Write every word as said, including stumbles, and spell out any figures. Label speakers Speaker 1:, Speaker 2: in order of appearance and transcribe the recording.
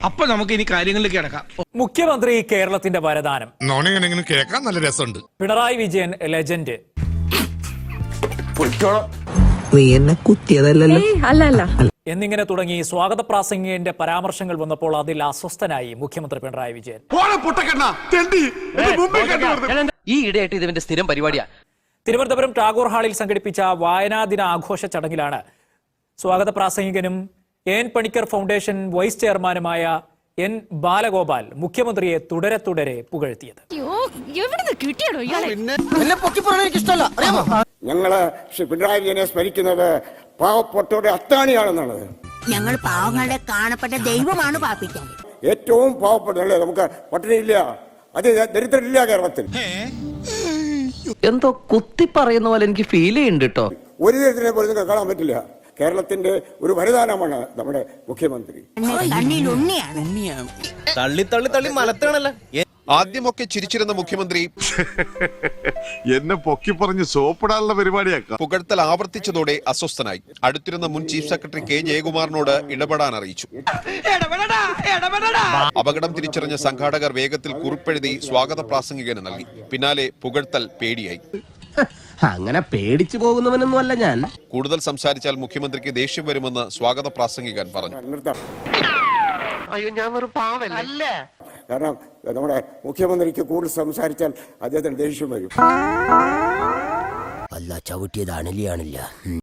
Speaker 1: അപ്പൊ നമുക്ക് ഇനി കാര്യങ്ങളിലേക്ക് കിടക്കാം.
Speaker 2: മുഖ്യമന്ത്രി കേരളത്തിന്റെ വരദാനം
Speaker 3: നോണിങ്ങനെ കേൾക്കാൻ നല്ല രസമുണ്ട്.
Speaker 2: പിണറായി വിജയൻ ലെജൻഡ്.
Speaker 4: നീ എന്നെ കുത്തിയതല്ലല്ലോ.
Speaker 5: അല്ല അല്ല
Speaker 2: എന്നിങ്ങനെ തുടങ്ങി സ്വാഗത പ്രാസംഗികന്റെ പരാമർശങ്ങൾ വന്നപ്പോൾ അതിൽ അസ്വസ്ഥനായി മുഖ്യമന്ത്രി പിണറായി വിജയൻ.
Speaker 6: ഈ ഇടയായിട്ട് ഇതിന്റെ സ്ഥിരം പരിപാടിയാ.
Speaker 2: തിരുവനന്തപുരം ടാഗോർ ഹാളിൽ സംഘടിപ്പിച്ച വായനാ ദിന ആഘോഷ ചടങ്ങിലാണ് സ്വാഗത പ്രാസംഗികനും എൻ പണിക്കർ ഫൗണ്ടേഷൻ വൈസ് ചെയർമാനുമായ എൻ ബാലഗോപാൽ മുഖ്യമന്ത്രിയെ തുടരെ തുടരെ പുകഴ്ത്തിയത്.
Speaker 7: ഞങ്ങള് ശ്രീ പിണറായി വിജയനെ സ്മരിക്കുന്നത് പാവപ്പെട്ടവരുടെ അത്താണിയാണെന്നുള്ളത്.
Speaker 8: ഞങ്ങൾ പാവങ്ങളുടെ കാണപ്പെട്ട ദൈവമാണ് പാപ്പിക്കാൻ.
Speaker 7: ഏറ്റവും പാവപ്പെട്ടല്ലേ, നമുക്ക് പട്ടിണിയില്ല, അത് ദരിദ്രരില്ല കേരളത്തിൽ.
Speaker 6: എന്തോ കുത്തി പറയുന്ന പോലെ എനിക്ക് ഫീൽ ചെയ്യുന്നുണ്ട് കേട്ടോ.
Speaker 7: ഒരു ദരിദ്രനെ പോലും നിങ്ങൾക്ക് കാണാൻ പറ്റില്ല. കേരളത്തിന്റെ ഒരു വരദാനമാണ് നമ്മുടെ മുഖ്യമന്ത്രി.
Speaker 9: തള്ളി തള്ളി തള്ളി മലത്താണല്ലോ.
Speaker 3: ആദ്യമൊക്കെ ചിരിച്ചിരുന്ന മുഖ്യമന്ത്രി എന്നെ പൊക്കി പറഞ്ഞ് സോപ്പിടാനുള്ള പരിപാടിയാക്കാം. പുകഴ്ത്തൽ ആവർത്തിച്ചതോടെ അസ്വസ്ഥനായി. അടുത്തിരുന്ന മുൻ ചീഫ് സെക്രട്ടറി കെ ജയകുമാറിനോട് ഇടപെടാൻ അറിയിച്ചു. അപകടം തിരിച്ചറിഞ്ഞ സംഘാടകർ വേഗത്തിൽ കുറിപ്പെഴുതി സ്വാഗത പ്രാസംഗികന് നൽകി. പിന്നാലെ പുകഴ്ത്തൽ പേടിയായി.
Speaker 9: അങ്ങനെ പേടിച്ചു പോകുന്നവനൊന്നും അല്ല ഞാൻ.
Speaker 3: കൂടുതൽ സംസാരിച്ചാൽ മുഖ്യമന്ത്രിക്ക് ദേഷ്യം വരുമെന്ന് സ്വാഗത പ്രാസംഗികൻ പറഞ്ഞു.
Speaker 6: അയ്യോ, ഞാൻ ഒരു പാവല്ല.
Speaker 7: കാരണം നമ്മുടെ മുഖ്യമന്ത്രിക്ക് കൂടുതൽ സംസാരിച്ചാൽ അദ്ദേഹത്തിന് ദേഷ്യം വരും.
Speaker 4: അല്ല ചവിട്ടിയത് അണലിയാണില്ല.